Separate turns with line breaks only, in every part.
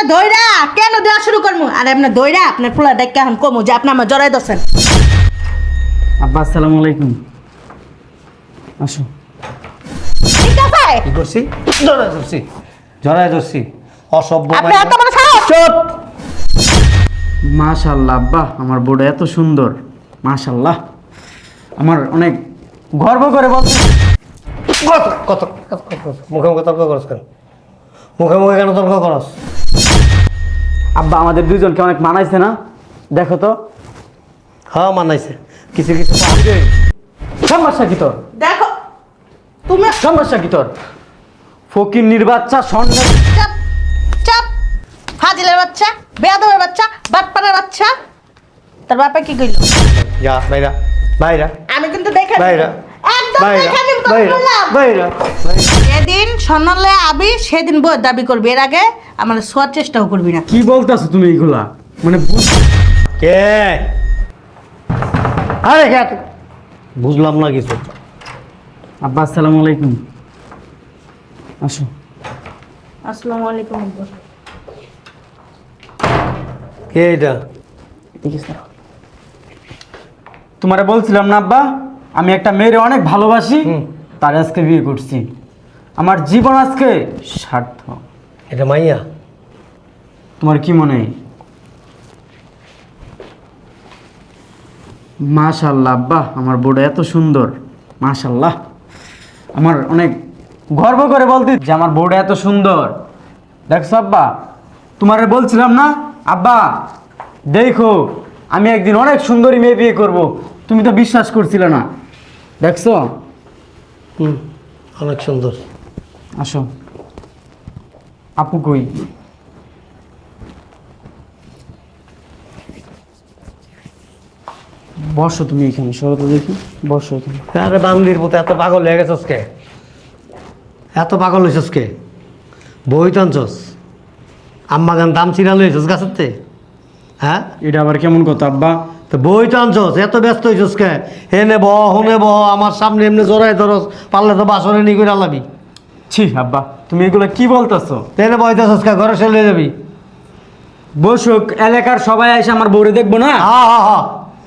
দইরা কেন দেওয়া শুরু করবো? আরে আপনার দইরা আপনার পোলা ডাক্কা এখন কমু যে আপনি আমার জড়াই দছেন।
আব্বা আসসালামু আলাইকুম। আসো।
ঠিক আছে
কি করছি? জড়াই ধরছি অসভ্য
আপনি এত বড় সাহস?
চুপ।
মাশাআল্লাহ আব্বা, আমার বউটা এত সুন্দর। মাশাআল্লাহ, আমার অনেক গর্ব করে বলতে।
কত কত কত কত মুখে মুখে তর্ক করছ কেন? মুখে মুখে কেন তর্ক করস?
আব্বা আমাদের দুইজনকে অনেক মানাইছে না? দেখো তো।
হ্যাঁ মানাইছে, কিছু কিছু
সমস্যা কি তোর?
দেখো তুমি
সমস্যা কি তোর? ফকির নির্বাচ্চা স্বর্ণ।
চাপ চাপ ফাজিলের বাচ্চা, বেয়াদবের বাচ্চা, বাটপাড়ার বাচ্চা। তার বাপে কি কইলো?
যা বাইরা বাইরা
আমি কিন্তু দেখে
বাইরা
একদম
বাইরা
দেখে নিব তো
বাইরা
বললাম।
বাইরা
যেদিন স্বর্ণলে আবি সেদিন বই দাবি করবি, এর আগে আমার শোয়ার চেষ্টাও করবি না।
কি বলতেছো তুমি এইগুলা? মানে
কে? আরে কে? বুঝলাম না কিছু।
আব্বা আসসালামু আলাইকুম। আসো।
আসসালামু আলাইকুম।
কে এটা?
তোমারে বলছিলাম না আব্বা, আমি একটা মেয়েরে অনেক ভালোবাসি, তার আজকে বিয়ে করছি। আমার জীবন আজকে সার্থক।
এটা মাইয়া?
তোমার কি মনে হয়? মাশাআল্লাহ আব্বা, আমার বউটা এত সুন্দর। মাশাআল্লাহ, আমার অনেক গর্ব করে বলতে যে আমার বউটা এত সুন্দর। দেখছো আব্বা, তোমারে বলছিলাম না আব্বা, দেখো আমি একদিন অনেক সুন্দরী মেয়ে বিয়ে করব। তুমি তো বিশ্বাস করছিলে না। দেখছো?
অনেক সুন্দর।
আসো। আপু কই? বসো তুমি এখানে, সরো তো দেখি। বসো এখানে।
আরে বান্দির মতো এত পাগল হয়ে গেছস কে? এত পাগল হয়েছস কে? বই টানছস? আম্মা গান দাম চিরালো হয়েছস গাছের? হ্যাঁ,
এটা আবার কেমন কথা আব্বা?
তো বই টানছস, এত ব্যস্ত হয়েছস কে? হেনে বহ হনে বহ, আমার সামনে এমনি জোরাই ধরস, পারলে তো বাসনে নি করে আলাবি।
ছি আব্বা, তুমি এগুলো কি বলতেছো?
তেনে বইতেছস কে? ঘরে চলে যাবি।
বসুক, এলাকার সবাই এসে আমার বউরে দেখবো না?
হা হা হা,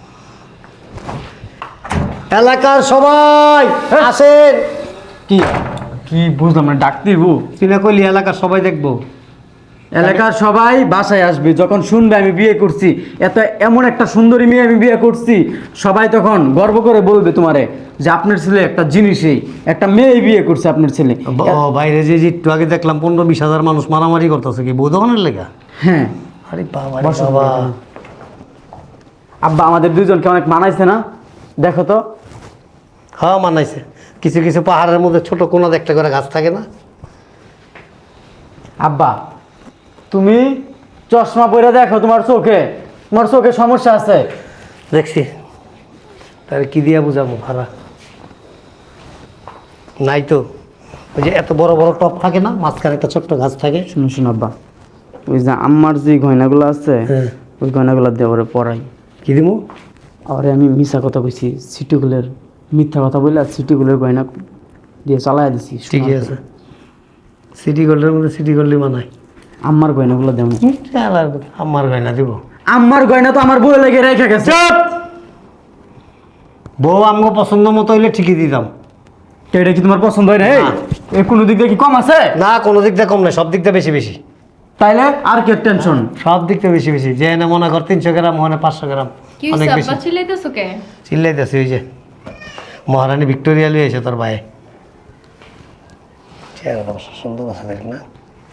এলাকার সবাই আসেন।
কি কি বুঝলাম না, ডাক দিব?
চিনা কইলি এলাকার সবাই দেখবো।
এলাকার সবাই বাসায় আসবে যখন শুনবে আমি বিয়ে করছি, এমন একটা সুন্দরী মেয়ে আমি বিয়ে করছি, সবাই তখন গর্ব করে বলবে তোমারে যে আপনার ছেলে একটা জিনিসই, একটা মেয়ে বিয়ে করছে আপনার ছেলে।
বাইরে যে একটু আগে দেখলাম 15-20 হাজার মানুষ মারামারি করতেছে, কি বউ দোকানের লেগা?
হ্যাঁ
আরে বাবা রে
বসো
বাবা।
এখানে। আব্বা আমাদের দুজনকে অনেক মানাইছে না? দেখো তো।
হ্যাঁ মানাইছে, কিছু কিছু পাহাড়ের মধ্যে ছোট কোনাতে একটা করে গাছ থাকে না?
আব্বা তুমি চশমা পরে দেখো, তোমার চোখে সমস্যা আছে।
দেখছি, তাহলে কি দিয়া বুঝাবো? ভাড়া নাই তো। ওই যে এত বড় বড় টপ থাকে না, মাঝখানে একটা ছোট্ট গাছ থাকে।
শুনো শুনো আব্বা, ওই যে আম্মার যে গয়নাগুলো আছে,
হ্যাঁ।
ওই গয়নাগুলো দিয়ে ওরে পরাই।
কি দিমু?
আরে আমি মিথ্যা কথা কইছি, সিটিগুলোর মিথ্যা কথা বললে সিটিগুলোর গয়না দিয়ে চালাই দিছি।
ঠিকই আছে, সিটি গোল্ডের মধ্যে সিটি গোল্ডই মানায়।
আম্মার গয়নাগুলো দেবো।
আমার গয়না দিব?
আম্মার গয়না তো আমার বউ লেগে রেখে গেছে।
বউ আমাকে পছন্দ মতো হইলে ঠিকই দিতাম।
এটা কি তোমার পছন্দ হয় না?
না।
এই কোনো দিক দিয়ে কি কম আছে?
না, কোনো দিক দিয়ে কম নাই, সব দিক দিয়ে বেশি বেশি।
তাইলে আর কি টেনশন?
সব দিক দিয়ে বেশি বেশি। যে এনে মনে কর 300 গ্রাম, মনে 500 গ্রাম,
কি
অনেক
হইছে
বেশি।
আব্বা চিল্লাইতেছো কে?
চিল্লাইতেছি ওই যে মহারানী ভিক্টোরিয়া লিয়ে এসে তোর ভাই। চেহারাটা অবশ্য সুন্দর আছে, দেখ না?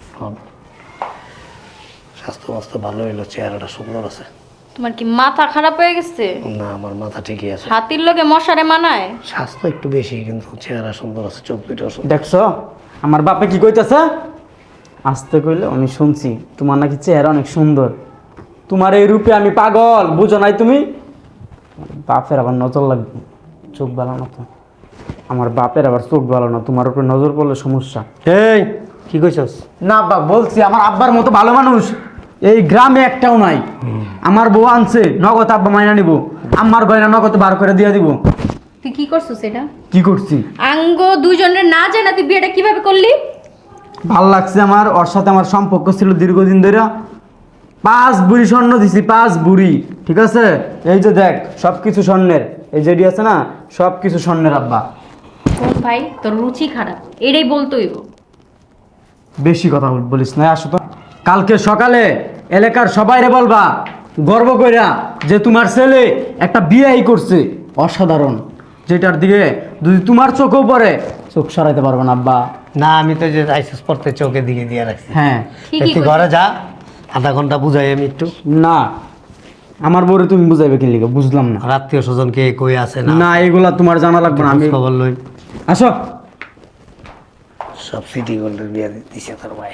স্বাস্থ্য মাস্ত ভালো হইলো, চেহারাটা সুন্দর আছে।
তোমার কি মাথা খারাপ হয়ে গেছে?
না, আমার মাথা ঠিকই আছে।
হাতির লগে মশারে মানায়?
স্বাস্থ্য একটু বেশি, কিন্তু চেহারা সুন্দর আছে, চোখ দুইটাও সুন্দর।
দেখছো আমার বাপে কি কইতেছে? আসতে কইলে আমি শুনছি তোমার নাকি চেহারা অনেক সুন্দর। তোমার এই রূপে আমি পাগল, বুঝো নাই তুমি? বাপের আবার নজর লাগবে, চোখ ভালো না তো। আমার বাপের আবার চোখ ভালো না, তোমার উপরে নজর পড়লে সমস্যা।
এই কি কইছস?
না বাপ, বলছি আমার আব্বার মতো ভালো মানুষ এই গ্রামে একটাও নাই। আমার বউ আনছে নগদ, আব্বা মাইনা নিব, আমার গয়না নগদ বার করে দিয়ে দিব।
তুই কি করছিস এটা?
কি করছি?
আঙ্গ দুইজনের না জানা তুই বিয়েটা কিভাবে করলি?
ভাল লাগছে আমার, ওর সাথে আমার সম্পর্ক ছিল দীর্ঘদিন ধরে। 5 বুড়ি স্বর্ণ দিছি, 5 বুড়ি, ঠিক আছে? এই যে দেখ সব কিছু স্বর্ণের, এই যেটি আছে না সব কিছু স্বর্ণের আব্বা।
কোন ভাই তোর রুচি খারাপ, এটাই বলতোই।
বেশি কথা বলিস না, আসো তো। কালকে সকালে এলাকার সবাইরে বলবা গর্ব কইরা যে তোমার ছেলে একটা বিয়েই করছে অসাধারণ, যেটার দিকে যদি তোমার চোখেও পড়ে চোখ সরাইতে পারবে না আব্বা।
না আমি তো যে আইসিস পড়তে চোখে দিকে দিয়ে রাখছি।
হ্যাঁ
ঠিকই
একটু
কইছিস।
ঘরে যা, আধা ঘন্টা বুঝাই আমি একটু।
না, আমার বউরে তুমি বুঝাইবে কি লিখে বুঝলাম না।
আর আত্মীয় স্বজন কে কই আছে না
না এগুলা তোমার জানা লাগবে না, আমি
খবর লই।
আসো।
সব সিটি গোল্ডের বিয়ে দিছে তোর ভাই,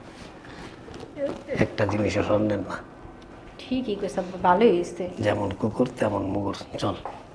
একটা জিনিসও স্বর্ণের না।
ঠিকই কইছ, ভালোই হয়েছে।
যেমন কুকুর তেমন মুগুর। চল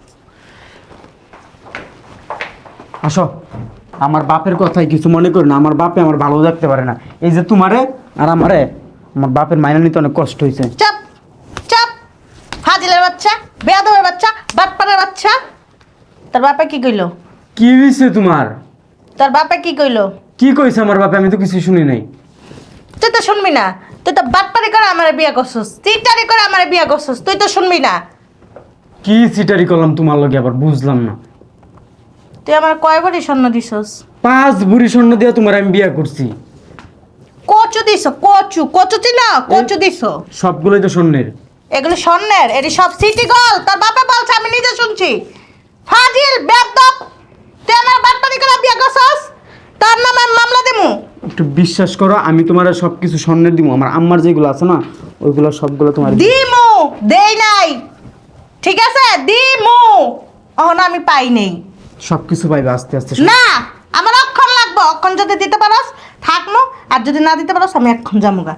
আসো। আমার বাপের কথাই কিছু মনে করি না, আমার বাপে আমার ভালো থাকতে পারে না। এই যে তোমারে আর আমারে, আমার বাপের মাইনা নিতে অনেক কষ্ট হয়েছে।
চাপ চাপ, ফাজিলের বাচ্চা, বেয়াদবের বাচ্চা, বাটপানের বাচ্চা। তোর বাপে কি কইলো?
কি হয়েছে তোমার?
তোর বাপে কি কইলো?
কি কইছে আমার বাপে? আমি তো কিছু শুনি নাই।
তুই তো শুনবি না, তুই তো বাটপারি করে আমার বিয়ে করছিস, চিটারি করে আমার বিয়ে করছিস, তুই তো শুনবি না।
কি সিটারি করলাম তোমার লগে আবার? বুঝলাম না।
তুই আমার কয় ভরি স্বর্ণ দিছস?
5 বুড়ি স্বর্ণ দিয়ে তোমার আমি বিয়ে করছি।
কচু দিছ, কচু, কচু চিন, কচু দিছ।
সবগুলোই তো স্বর্ণের।
এগুলো স্বর্ণের, এটি সব সিটি গোল্ড। তোর বাপে বলছে, আমি নিজে শুনছি। ফাজিল বেয়াদব, তুই আমার বাটপারি করে বিয়ে করছিস, তোর নামে আমি মামলা দেবো।
একটু বিশ্বাস করো, আমি তোমার সব কিছু স্বর্ণের দিব। আমার আম্মার যেগুলো আছে না ওইগুলো সবগুলো তোমার
দিমু, দেই নাই, ঠিক আছে? দিমু, অহন আমি পাই নেই।
সব কিছু পাইবে আস্তে আস্তে।
না, আমার অক্ষণ লাগবে। অক্ষণ যদি দিতে পারস থাকমু, আর যদি না দিতে পারস আমি এক্ষণ যামুগা।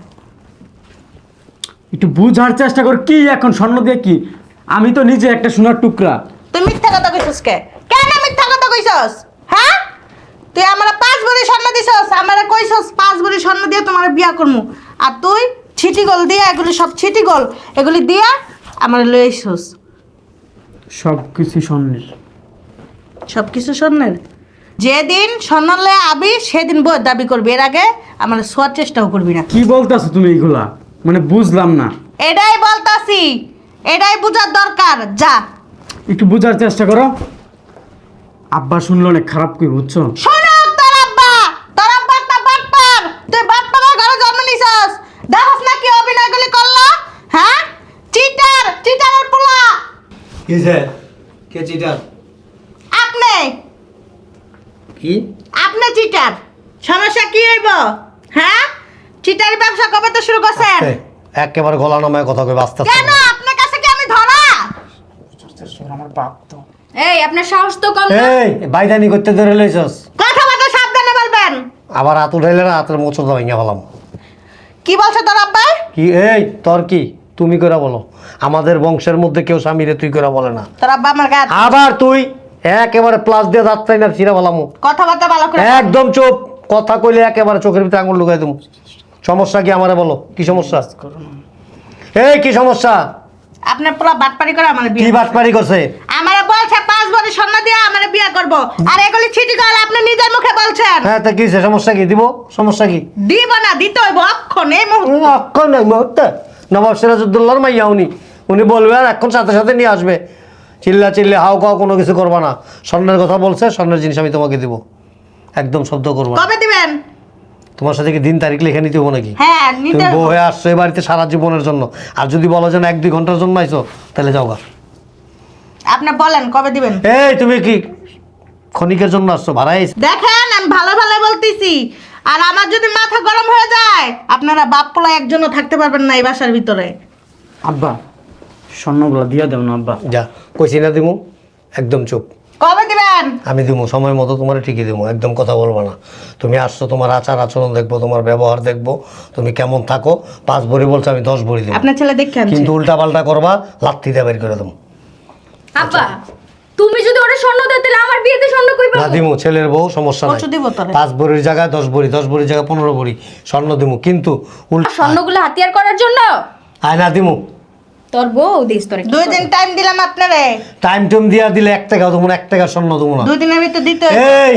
একটু বুঝার চেষ্টা কর, কি এখন স্বর্ণ দিয়ে কি? আমি তো নিজে একটা সোনার টুকরা।
তুই মিথ্যা কথা কইছস কে? কেন মিথ্যা কথা কইছস? হ্যাঁ, তুই আমার 5 ভরি স্বর্ণ দিছস, আমারে কইছস 5 ভরি স্বর্ণ দিয়ে তোমার বিয়া করমু, আর তুই ছিটি গোল দিয়া, এগুলি সব ছিটি গোল, এগুলি দিয়া আমার লই আইছস।
সব কিছু স্বর্ণের।
সব কিছু স্বর্ণের। যেদিন স্বর্ণ লয়ে আবি সেদিন বই দাবি করবি, এর আগে আমার শোয়ার চেষ্টাও করবি না।
কি বলতেছো তুমি এইগুলা? মানে বুঝলাম না।
এটাই বলতাছি, এটাই বুঝার দরকার। যা,
একটু বুঝার চেষ্টা করো। আব্বা শুনলে অনেক খারাপ কই, বুঝছো?
শোনো, তোর আব্বা একটা বাটপার। তুই বাটপারের ঘরে জন্ম নিছস, দেখছ না কি অভিনয়গুলি করলো? হ্যাঁ, চিটার, চিটারের পোলা।
কিসে কে চিটার?
আপনি,
কি
আপনি চিটার। সমস্যা কি হইব? হ্যাঁ, চিটারি ব্যবসা কবে তো শুরু করছেন?
একেবারে গলা নামায় কথা কই বাস্তা।
কেন আপনার কাছে কি আমি ধরা?
আমার বাপ তো।
এই আপনার সাহস তো কম না।
এই বাইদানি করতে ধরে লইছস,
কথাবার্তা সাবধানে বলবেন।
আবার হাত উঠাইলে না হাতের মোচড় ভাঙিয়া ফেলাম।
কি বলছে তোর আব্বা?
কি এই তোর কি? তুমি করে বলো। আমাদের বংশের মধ্যে কেউ স্বামীরে তুই করে বলে না।
তোর আব্বা আমার গায়ে
আবার তুই একেবারে প্লাস দিয়ে যাচ্ছাই না চিরা বলামু।
কথাবার্তা ভালো করে।
একদম চুপ, কথা কইলে একেবারে চোখের ভিতরে আঙুল লুকাই দেবো। সমস্যা কি আমারে বলো, কি সমস্যা? এই কি সমস্যা?
আপনার পুরো বাটপারি করে আমার
কি
বিয়ে।
বাটপারি করছে?
আমারে বলছে 5 ভরি স্বর্ণ দিয়ে আমারে বিয়ে করব, আর এগুলি ছিটি গল আপনি নিজের মুখে বলছেন।
হ্যাঁ তা কি হইছে? সমস্যা কি? দিব, সমস্যা কি?
দিব না, দিতে হইব অক্ষণ এই মুহূর্তে।
অক্ষণ নাই মুহূর্তে। নবাব সিরাজউদ্দৌলার মাইয়া উনি বলবে আর এখন সাথে সাথে নিয়ে আসবে। চিল্লা চিল্লে হাও খাও কোনো কিছু করবা না। স্বর্ণের কথা বলছে, স্বর্ণের জিনিস আমি তোমাকে দিব, একদম শব্দ করবো না।
কবে দিবেন?
তোমার সাথে কি দিন তারিখ লিখে নিতে হবো নাকি?
হ্যাঁ,
তুমি
নিতে
বউ
হইব।
হয়ে আসছো এই বাড়িতে সারা জীবনের জন্য, আর যদি বলো যে না 1-2 ঘন্টার জন্য আইছো তাহলে যাও গা।
আপনি বলেন কবে দিবেন?
এই তুমি কি ক্ষণিকের জন্য আসছো? ভাড়াই
দেখেন আমি ভালো ভালো বলতেছি, আর আমার যদি মাথা গরম হয়ে যায় আপনারা বাপ পোলা একজনও থাকতে পারবেন না এই বাসার ভিতরে।
আব্বা স্বর্ণগুলো দিয়ে দেব না আব্বা।
যা কইছি না দিমু, একদম চুপ।
কবে দিবেন?
আমি দিমু সময় মতো, তোমার ঠিকই দিমু, একদম কথা বলবো না। তুমি আসছো, তোমার আচার আচরণ দেখবো, তোমার ব্যবহার দেখবো, তুমি কেমন থাকো। 5 ভরি বলছো, আমি 10 ভরি দিব।
আপনার ছেলে দেখে আনছে।
কিন্তু উল্টা পাল্টা করবা, লাত্তি দিয়ে বের করে দেবো।
আব্বা তুমি যদি ওটা স্বর্ণ দাও তাহলে আমার বিয়েতে স্বর্ণ কই
না
পাবো?
দিমু, ছেলের বউ, সমস্যা নাই।
কচু দিব তোরে।
5 ভরির জায়গায় 10 ভরি, 10 ভরির জায়গায় 15 ভরি স্বর্ণ দিমু, কিন্তু উল্টা
স্বর্ণগুলো হাতিয়ার করার জন্য
আয় না দিমু।
তোর বউ দিস তোর
2 দিন টাইম দিলাম আপনারে।
টাইম টুম দিয়া দিলে 1 টাকাও দেবো না, 1 টাকা স্বর্ণ দেবো না।
2 দিনের ভিতর দিতে হইব।
এই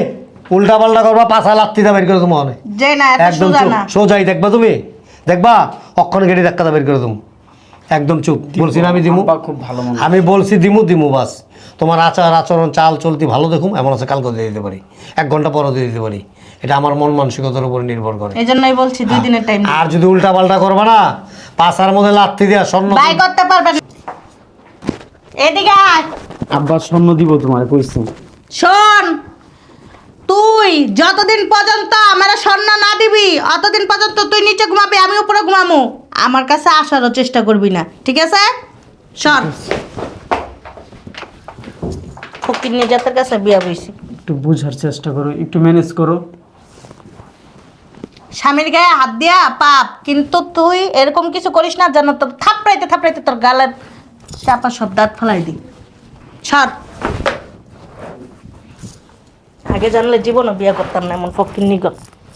উল্টা পাল্টা করবা, পাছা লাত্তিটা বের করে তুমি অনেক
যে না এত
একদম
সোজা
চুপ,
না।
সোজাই দেখবা তুমি, দেখবা অক্ষণ গেড়ে ধাক্কাটা বের করে তুমি, একদম চুপ। বলছি না আমি দিমু,
আব্বা খুব ভালো মানুষ।
আমি বলছি দিমু বাস। তোমার আচার আচরণ চাল চলতি ভালো দেখুম, এমন আছে কালকে দিয়ে দিতে পারি, 1 ঘন্টা পরও দিয়ে দিতে পারি। এটা আমার মন মানসিকতার উপর নির্ভর করে।
এই জন্যই বলছি 2 দিনের টাইম
আর যদি উল্টা পাল্টা করবা না, পাছার মধ্যে লাত্তি দেওয়া স্বর্ণ
বাই করতে পারবেন। এদিকে আয়।
আব্বা স্বর্ণ দিব তোমার কইছি।
শোন, তুই যতদিন পর্যন্ত আমার স্বর্ণ না দিবি অতদিন পর্যন্ত তুই নিচে ঘুমাবি, আমি উপরে ঘুমামু। আমার কাছে আসারও চেষ্টা করবি না, ঠিক আছে? সর। ফকির নিয়ে জাতের কাছে বিয়া বইছি।
একটু বুঝার চেষ্টা করো, একটু ম্যানেজ করো।
স্বামীর গায়ে হাত দিয়া পাপ, কিন্তু তুই এরকম কিছু করিস না যেন তোর থাপড়াইতে থাপড়াইতে তোর গালের চাপা সব দাঁত ফেলাই দি। সর। আগে জানলে জীবনও বিয়ে করতাম না এমন ফকির নিগত।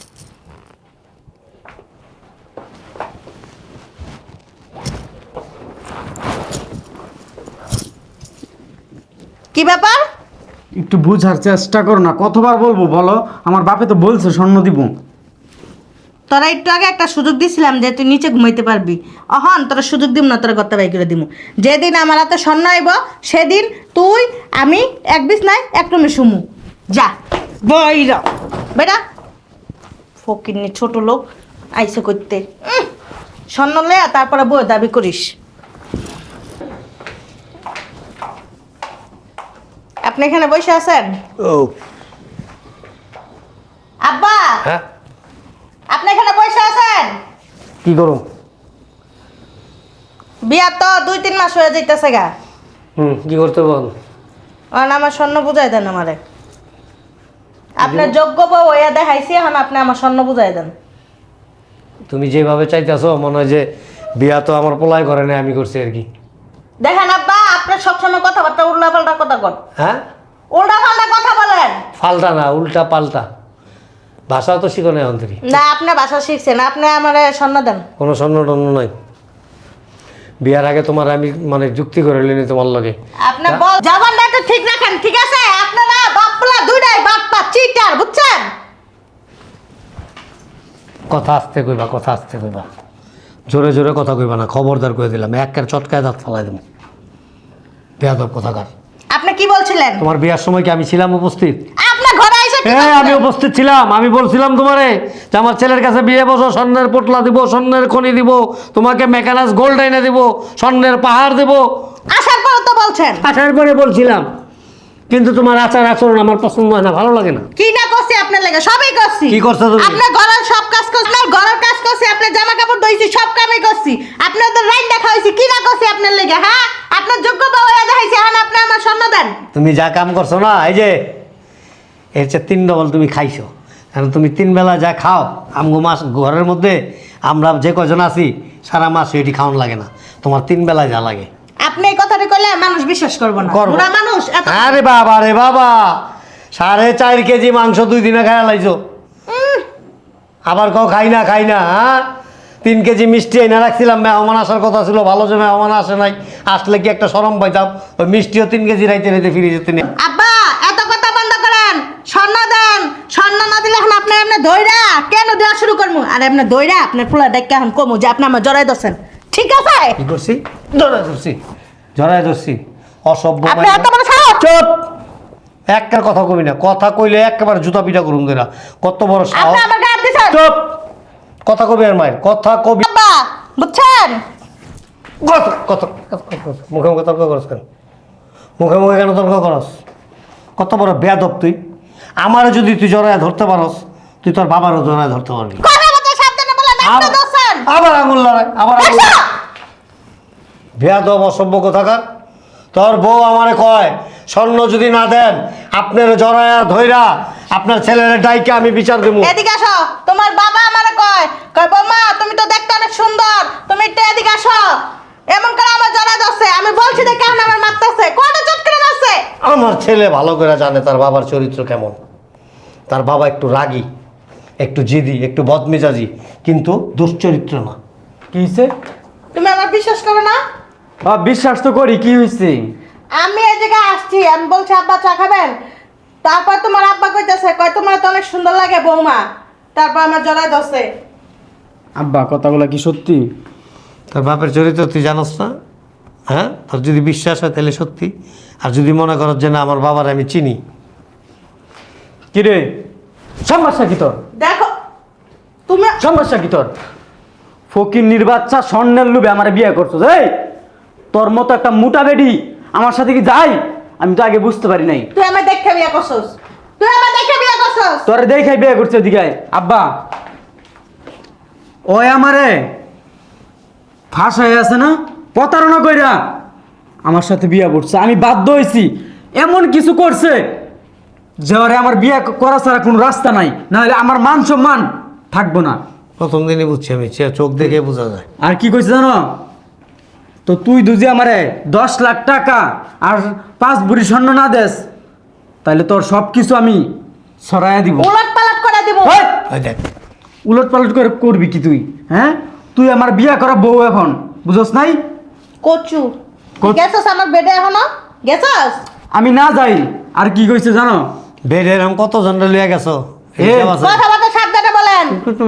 কি ব্যাপার?
একটু বুঝার চেষ্টা করো না, কতবার বলবো বলো? আমার বাপে তো বলছে স্বর্ণ দিব।
তোরা একটু আগে একটা সুযোগ দিছিলাম যে তুই নিচে ঘুমাইতে পারবি, অহন তোরা সুযোগ দিব না, তোরা গত্তা বাই করে দিব। যেদিন আমার হাতে স্বর্ণ আইব সেদিন তুই আমি এক বিছনায় এক রুমে শুমু। যা বইরা বেটা, ফকিরনি ছোট লোক আইসে করতে। স্বর্ণ লয়া তারপরে বই দাবি করিস। আপনি এখানে বসে আছেন?
ও
আব্বা,
হ্যাঁ,
আপনি এখানে বসে আছেন?
কি করো?
বিয়া তো 2-3 মাস হয়ে যাইতেছে গা।
কি করতে বল?
আর আমার স্বর্ণ বুঝাই দেন আমারে। আপনার যোগ্য বউ হইয়া দেখাইছি, এখন আপনি আমার স্বর্ণ বুঝাই দেন।
তুমি যেভাবে চাইতেছো মনে হয় যে বিয়া তো আমার পোলাই করে না, আমি করছি আর কি।
দেখেন আব্বা, আপনার সবসময় কথাবার্তা উল্টা পাল্টা কথা কন।
হ্যাঁ,
উল্টা পাল্টা কথা বলেন।
ফাল্টা না, উল্টা পাল্টা ভাষা তো শিখো না এখন থেকে।
না, আপনি ভাষা শিখছেন, আপনি আমারে স্বর্ণ দেন।
কোনো স্বর্ণ টন্য নাই। বিয়ার আগে তোমার আমি মানে যুক্তি করে নিই তোমার লগে।
আপনি বল জবানটা একটু ঠিক রাখেন, ঠিক আছে? আপনারা বাপলা দুইটাই বাপ্পা চিটার, বুঝছেন?
কথা আস্তে কইবা, কথা আস্তে কইবা, জোরে জোরে কথা কইবা না, খবরদার করে দিলাম, একের চটকায় দাঁত ফালাই দেবো। বেয়াদব কথাকার।
আপনি কি বলছিলেন?
তোমার বিয়ার সময় কি আমি ছিলাম উপস্থিত?
আপনার ঘরে আইসা কি
হ্যাঁ, আমি
করছিলেন?
উপস্থিত ছিলাম। আমি বলছিলাম তোমারে যে আমার ছেলের কাছে বিয়ে বসো, স্বর্ণের পোটলা দিব, স্বর্ণের খনি দিব, তোমাকে মেকানাস গোল্ড এনে দিব, স্বর্ণের পাহাড় দিব।
আসার পর তো বলছেন।
আসার পরে বলছিলাম, কিন্তু তোমার আচার আচরণ আমার পছন্দ হয় না, ভালো লাগে না।
কি না করছি আপনার লাগে? সবই করছি।
কি করছো তুমি?
আপনার ঘরের সব কাজ করছি, আপনার ঘরের কাজ করছি, আপনার জামা কাপড় ধুইছি, সব কামই করছি। আপনার তো রাইট দেখা হইছে, কি না করছি আপনার লাগে? হ্যাঁ, আপনার যোগ্য বউ হইয়া দেখাইছি, এখন আপনি আমার স্বর্ণ দেন।
তুমি যা কাম করছো না, এই যে এর চেয়ে 3 ডবল তুমি খাইছো। কারণ তুমি 3 বেলা যা খাও, আমগো মাস ঘরের মধ্যে আমরা যে কজন আছি সারা মাস এটি খাওয়ান লাগে না, তোমার 3 বেলা যা লাগে।
আপনি এই কথাটা কইলে মানুষ বিশ্বাস করবে না।
করবো।
বুড়া মানুষ এত
আরে বাবা রে বাবা, 4.5 কেজি মাংস 2 দিনে খাইয়া লাইছো। আবার কও খাই না খাই না। হ্যাঁ, 3 কেজি মিষ্টি এনে রাখছিলাম, মেহমান আসার কথা ছিল, ভালো যে মেহমান আসে নাই, আসলে কি একটা শরম পাইতাম। ওই মিষ্টিও 3 কেজি রাইতে রাইতে ফিরে যেতে নিয়ে।
আব্বা, এত কথা বন্ধ করেন। স্বর্ণ দেন। স্বর্ণ না দিলে এখন আপনি এমনি দইরা কেন দেওয়া শুরু করবো? আর এমনি দইরা আপনার পোলা ডাক্কা এখন কমু যে আপনি আমার জড়াই দছেন, ঠিক আছে?
কি করছি? জড়ায় ধরছি, জড়ায় ধরছি। অসভ্য
আপনি
মাইয়া।
এত বড় সাহস!
চুপ! একটার কথা কবি না, কথা কইলে একেবারে জুতা পিটা করুন দেরা। কত বড় সাহস!
আপনি আমার গায়ে হাত দিছেন।
চুপ! কথা কবি আর মায়ের কথা কবি।
আব্বা, বুঝছেন?
কথা কথা মুখে মুখে তর্ক করস কেন? মুখে মুখে কেন তর্ক করস? কত বড় বেয়াদব তুই! আমারও যদি তুই জড়ায় ধরতে পারস, তুই তোর বাবারও জড়ায় ধরতে পারবি।
কথা বলতে সাবধানে বলেন, আপনি দছেন।
আবার আঙুল লড়াই, আবার আঙুল। বেয়াদব অসভ্য কোথাকার। তোর বউ আমারে কয় স্বর্ণ যদি না দেন আপনার জড়ায়া ধইরা আপনার ছেলের ডাইকে আমি বিচার দেবো।
এদিকে আসো। তোমার বাবা আমারে কয় কয় বৌমা তুমি তো দেখতে অনেক সুন্দর, তুমি একটু এদিকে আসো। এমন করে আমার জড়াই দছে, আমি বলছি যে কেন আমার মারতেছে, কয়টা চটকে মারছে।
আমার ছেলে ভালো করে জানে তার বাবার চরিত্র কেমন। তার বাবা একটু রাগী, একটু জিদি, একটু বদমেজাজি, কিন্তু দুশ্চরিত্র না।
কি হয়েছে?
তুমি আমার বিশ্বাস করো না?
বিশ্বাস তো করি, কি হয়েছে?
আমি এই জায়গায় আসছি, আমি বলছি আব্বা চা খাবেন, তারপর তোমার আব্বা কইতাছে কয় তোমার তো অনেক সুন্দর লাগে বৌমা, তারপর আমার জড়াই দছে।
আব্বা কথাগুলো কি সত্যি?
তোর বাপের চরিত্র তুই জানোস না? হ্যাঁ, তোর যদি বিশ্বাস হয় তাহলে সত্যি, আর যদি মনে করো যে না আমার বাবার আমি চিনি।
কিরে সমস্যা কি তোর?
দেখো তুমি
সমস্যা কি তোর? ফকির নির্বাচ্চা স্বর্ণের লোভে আমার বিয়ে করছো। এই তোর মতো একটা মোটা বেডি আমার সাথে কি যাই? আমি তো আগে বুঝতে পারি নাই।
তুই আমার দেখে বিয়ে করছস, তুই আমার দেখে বিয়ে করছস।
তোর দেখাই বিয়ে করছে ওদিকে। আব্বা ওই আমারে ফাঁসায় আছে না, প্রতারণা কইরা আমার সাথে বিয়ে করছে। আমি বাধ্য হয়েছি, এমন কিছু করছে যে ওরে আমার বিয়ে করা ছাড়া কোনো রাস্তা নাই, নাহলে আমার মান সম্মান থাকবো না।
প্রথম দিনই বুঝছি আমি, চোখ দেখে বোঝা যায়।
আর কি কইছে জানো? তো তুই দুজি আমারে 10 লাখ টাকা আর 5 ভরি স্বর্ণ না দেস, তাহলে তোর সব কিছু আমি সরাইয়া দিব।
উলট পালট করে দিব।
হেই!
ওই দেখ,
উলট পালট করে করবি কি তুই? হ্যাঁ, তুই আমার বিয়া করা বউ এখন, বুঝছ নাই?
কচু গেছস আমার বেডে এখনো গেছস?
আমি না যাই। আর কি কইছে জানো?
বেড এরকম কত জন লিয়ে গেছো?
এ,
হিসাব আছে?
কথাবার্তা সাবধানে বলেন।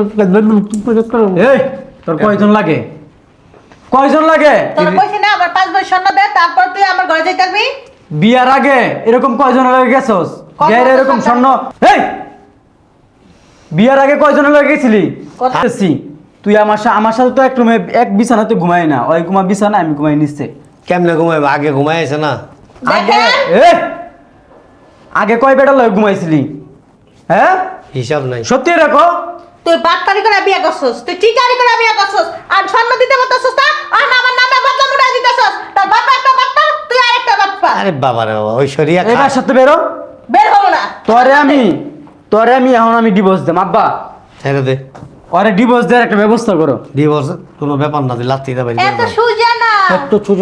এই তোর কয়জন লাগে? কয়জন লাগে?
তোর কইছি না আবার 5 বছর স্বর্ণ দে, তারপর তুই আমার ঘরে যাইতে পারবি।
বিয়ার আগে এরকম কয়জন লাগে গেছস?
কত
বিয়ার এরকম
টাকা?
স্বর্ণ এই বিয়ার আগে কয়জন লাগে গেছিলি?
কত?
আসছি। তুই আমার সাথে তো এক রুমে এক বিছানাতে ঘুমাই না, ওই ঘুমা বিছানা, আমি ঘুমাই নিচ্ছে।
কেমনে ঘুমাইবে? আগে ঘুমাইছে না?
আগে
দেখেন
আগে কয় বেটা লয় ঘুমাইছিলি? হ্যাঁ,
হিসাব নাই।
সত্যি রাখো।
তুই বাটপারি করে বিয়ে করছস, তুই চিটারি করে বিয়ে করছস, আর স্বর্ণ দিতে পারছস না, আর আমার নামে বদনাম উঠাই দিতেছস। তোর বাবা একটা বাটপা, তুই আরেকটা বাটপা।
আরে বাবা রে বাবা, ওই সরিয়া
এবার সাথে বেরো।
বের হবো না।
তোরে আমি এখন আমি ডিভোর্স দেব। আব্বা
ছেড়ে দে,
ওরে ডিভোর্স দেওয়ার একটা ব্যবস্থা করো।
ডিভোর্স কোনো ব্যাপার না, তুই লাত্তি দেবে।
এত সুজা না
একটু ছোট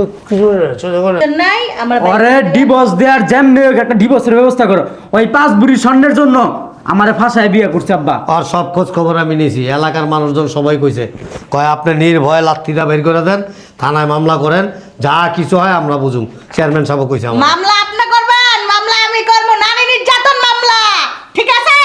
নাই আমার
ওরে ডিভোর্স দেওয়ার যেমনি হোক একটা ডিভোর্সের ব্যবস্থা করো। ওই 5 ভরি স্বর্ণের জন্য আমারে ফাঁসায় বিয়ে করছে আব্বা।
আর সব খোঁজ খবর আমি নিয়েছি, এলাকার মানুষজন সবাই কইছে, কয় আপনি নির্ভয়ে লাত্তিটা বের করে দেন, থানায় মামলা করেন, যা কিছু হয় আমরা বুঝুম। চেয়ারম্যান সাহেব কইছে আমার।
মামলা আপনি করবেন, মামলা আমি করব, নারী নির্যাতন মামলা, ঠিক আছে?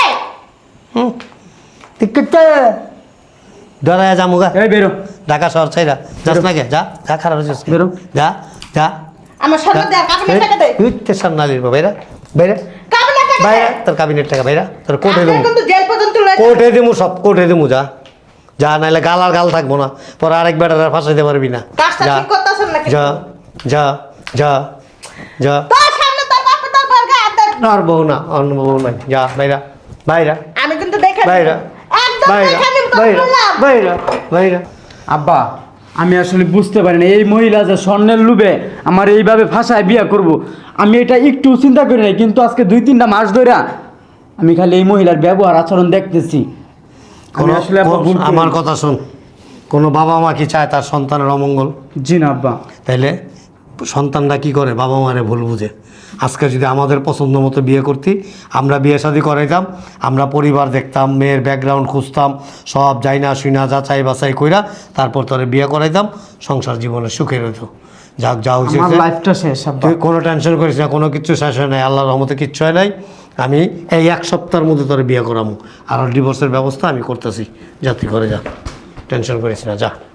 ঠিক আছে, ডরায় যামুগা।
এই বেরো।
ঢাকা শহর ছাইরা যাস না কে? যা যা, খারাপ হয়েছিস কে?
বেরো।
যা যা।
আমার স্বর্ণ দে, কাবিনের টাকা দে।
তুই তো সামনালির বাইরা বাইরা
কাবিনের টাকা দে।
বাইরা, তোর কাবিনের টাকা বাইরা, তোর কোর্টে
আপনি
দেবো,
কিন্তু জেল পর্যন্ত লয়ে
কোর্টে দেবো, সব কোর্টে দেবো। যা যা, নাইলে গাল আর গাল থাকবো না, পরে আরেক বেটার আর ফাঁসাইতে পারবি না।
কাজটা
যা
ঠিক করতেছেন না
যা যা যা যা।
তোর সামনে তোর বাপ তোর বর্গা হাত দেন।
আর বউ না, অন্য বউ নাই। যা বাইরা বাইরা
আমি কিন্তু দেখে
বাইরা
একদম
বাইরা
দেখে নিব তো
বাইরা
বললাম।
বাইরা বাইরা।
আব্বা আমি আসলে বুঝতে পারিনি এই মহিলা যে স্বর্ণের লোভে আমার এইভাবে ফাঁসায় বিয়ে করব, আমি এটা একটু চিন্তা করি নাই। কিন্তু আজকে 2-3টা মাস ধরে আমি খালি এই মহিলার ব্যবহার আচরণ দেখতেছি। আমি
কোনো
আসলে আব্বা ভুল
আমার
করিনি।
কথা শোন, কোনো বাবা মা কি চায় তার সন্তানের অমঙ্গল?
জি না আব্বা।
তাইলে সন্তানরা কি করে? বাবা মারে ভুল বুঝে। আজকে যদি আমাদের পছন্দ মতো বিয়ে করতি, আমরা বিয়ে শাদী করাইতাম, আমরা পরিবার দেখতাম, মেয়ের ব্যাকগ্রাউন্ড খুঁজতাম, সব যাই না শুই না যাচাই বাছাই কইরা তারপর তোরে বিয়ে করাইতাম, সংসার জীবনে সুখের হইতো। যাক, যা হয়েছে
আমার
হয়েছে।
লাইফটা শেষ আব্বা।
তুই কোনো টেনশন করিস না, কোনো কিচ্ছু শেষ হয় নাই, আল্লাহর রহমতে কিচ্ছু হয় নাই। আমি এই 1 সপ্তাহের মধ্যে তোরে বিয়ে করামু, আর ডিভোর্সের ব্যবস্থা আমি করতেছি। যা তুই করে যা, টেনশন করিস না, যা।